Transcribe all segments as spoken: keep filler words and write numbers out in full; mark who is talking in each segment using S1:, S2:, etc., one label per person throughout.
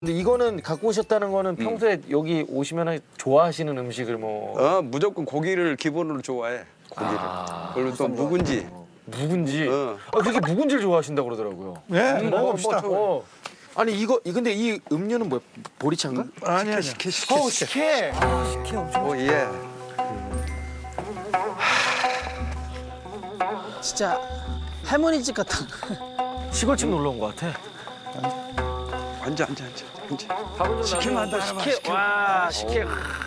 S1: 근데 이거는 갖고 오셨다는 거는 평소에 여기 오시면 좋아하시는 음식을 뭐
S2: 어 무조건 고기를 기본으로 좋아해. 고기를.
S1: 아,
S2: 그리고 또 묵은지.
S1: 묵은지.
S2: 어.
S1: 아, 그렇게 묵은지를 좋아하신다고 그러더라고요.
S3: 네,
S2: 음,
S3: 먹어봅시다.
S2: 뭐, 뭐,
S1: 어. 아니 이거 이- 근데 이 음료는 뭐야? 보리차인가?
S3: 아니, 아니.
S2: 식혜 식혜
S1: 어,
S2: 식혜.
S1: 식혜.
S2: 오 예.
S4: 진짜 할머니 집 같다.
S1: 시골집 놀러 온 것 같아.
S2: 앉아 앉아 앉아 앉아.
S1: 밥은 좀
S2: 식혜만
S1: 나눠
S2: 더
S1: 먹고
S2: 하나만
S1: 식혜. 와, 식혜.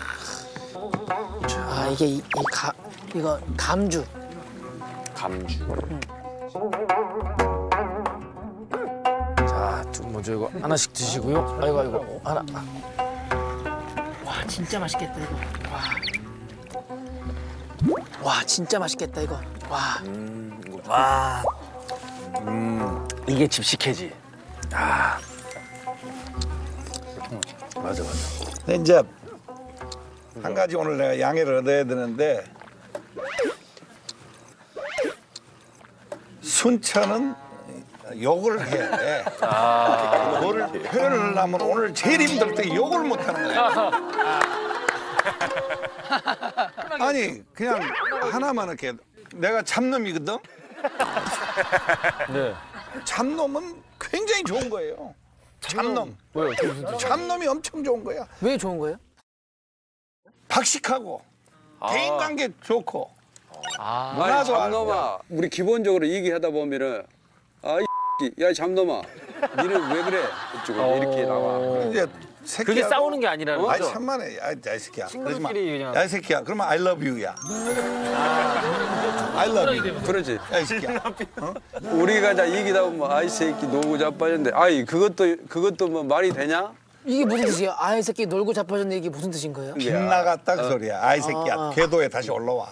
S4: 아 이게 이, 이 가, 이거 감주.
S1: 감주. 자, 좀 먼저 이거 하나씩 드시고요. 아이고 아이고 하나.
S4: 와 진짜 맛있겠다 이거. 와. 와 진짜 맛있겠다 이거. 와.
S1: 와. 음, 이게 집 식혜지. 아. 맞아 맞아.
S3: 근데 이제 한 가지 오늘 내가 양해를 얻어야 되는데 순천은 욕을 해. 아. 그거를 표현을 하면 오늘 제일 힘들 때 욕을 못 하는 거야. 아니 그냥 하나만 이렇게 내가 참놈이거든.
S1: 네.
S3: 참놈은 굉장히 좋은 거예요. 참놈.
S1: 왜요? 그게 무슨 뜻이야?
S3: 참놈이 엄청 좋은 거야.
S4: 왜 좋은 거예요?
S3: 박식하고 대인관계 좋고
S1: 아.
S2: 아이
S3: 문화도
S2: 잠놈아. 우리 기본적으로 얘기하다 보면은 아이 야 잠놈아. 니는 왜 그래? 이쪽으로 이렇게 나와.
S3: 이제 새끼야.
S1: 그게 싸우는 게 아니라는
S3: 아이
S1: 거죠?
S3: 천만에 야, 야, 이 새끼야. 그러지 마.
S1: 친구들끼리 그냥.
S3: 야, 이 새끼야. 그러면 I love you야. I love you.
S2: 그러지.
S3: 야, 이 새끼야.
S2: 우리가 자 얘기다 보면 아이 새끼 놀고 자빠졌는데 아이 그것도 그것도 뭐 말이 되냐?
S4: 이게 무슨 뜻이에요? 아이 새끼 놀고 자빠졌네 이게 무슨 뜻인 거예요?
S3: 빗 나갔다 그 소리야. 아이 새끼야.
S4: 아.
S3: 궤도에 다시 올라와.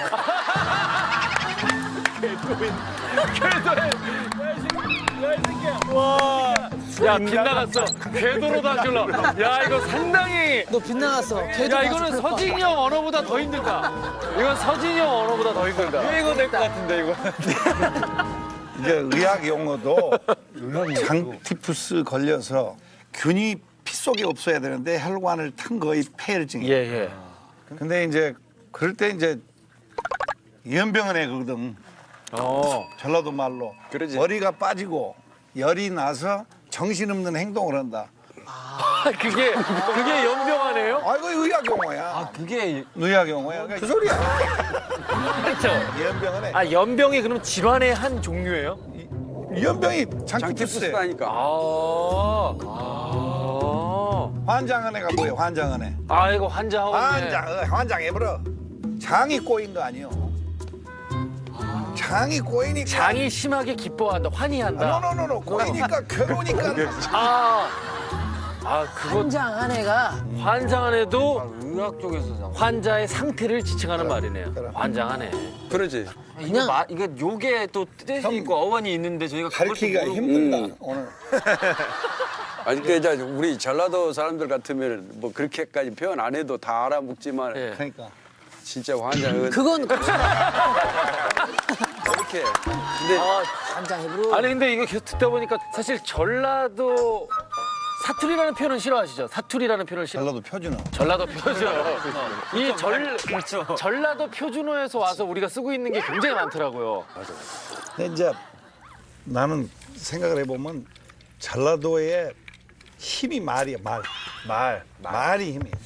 S1: 야, 빗나갔어. 궤도로 다시 올라. 야, 이거 상당히.
S4: 너 빗나갔어. 걔도
S1: 야, 이거는 서진이 형 언어보다 더 힘들다. 이건 서진이 형 언어보다 더 힘들다. 유행어 될 것 같은데, 이거.
S3: 이제 의학 용어도 장티푸스 걸려서 균이 피 속에 없어야 되는데 혈관을 탄 거의 폐혈증이야.
S1: 예, 예.
S3: 근데 이제 그럴 때 이제 연병원에 거거든.
S1: 어.
S3: 전라도 말로
S2: 그러지.
S3: 머리가 빠지고 열이 나서 정신없는 행동을 한다.
S1: 아, 그게, 그게 연병하네요?
S3: 아 이거 의학 용어야.
S1: 그게.
S3: 의학 용어야. 그 소리야.
S1: 그렇죠.
S3: 연병원에
S1: 아, 연병이 그럼 질환의 한 종류예요?
S3: 연병이 장티푸스에
S2: 장티푸스다니까.
S1: 아. 아.
S3: 환장한 애가 뭐예요? 환장한 애.
S1: 아, 이거 환자하고.
S3: 환장, 어, 환장해버려. 장이 꼬인 거 아니요. 장이 꼬이니까.
S1: 장이 심하게 기뻐한다, 환희한다.
S3: 노노노노 꼬이니까 괴로우니까.
S1: 아. 아, 그거
S4: 한장 한 애가
S1: 환장한 애도
S5: 의학 쪽에서
S1: 환자의 상태를 지칭하는 말이네요.
S3: 그래.
S1: 환장하네.
S2: 그러지.
S5: 이거
S4: 그냥
S5: 마, 이거 요게 또 뜻이
S3: 형,
S5: 있고 어원이 있는데 저희가 그걸 또
S3: 가르치기가
S5: 모르고
S3: 힘들다
S2: 음.
S3: 오늘.
S2: 아니 그러니까 이제 우리 전라도 사람들 같으면 뭐 그렇게까지 표현 안 해도 다 알아먹지만
S1: 예.
S3: 그러니까.
S2: 진짜 환장은
S4: 그건
S2: 그렇게. 근데
S1: 아,
S4: 한장 해부로.
S1: 아니 근데 이거 계속 듣다 보니까 사실 전라도 사투리라는 표현은 싫어하시죠? 사투리라는 표현을 싫어.
S3: 전라도 표준어.
S1: 전라도 표준어. 이 절, 전라도 표준어에서 와서 우리가 쓰고 있는 게 굉장히 많더라고요.
S3: 근데 이제 나는 생각을 해보면 전라도의 힘이 말이야 말. 말. 말이 힘이.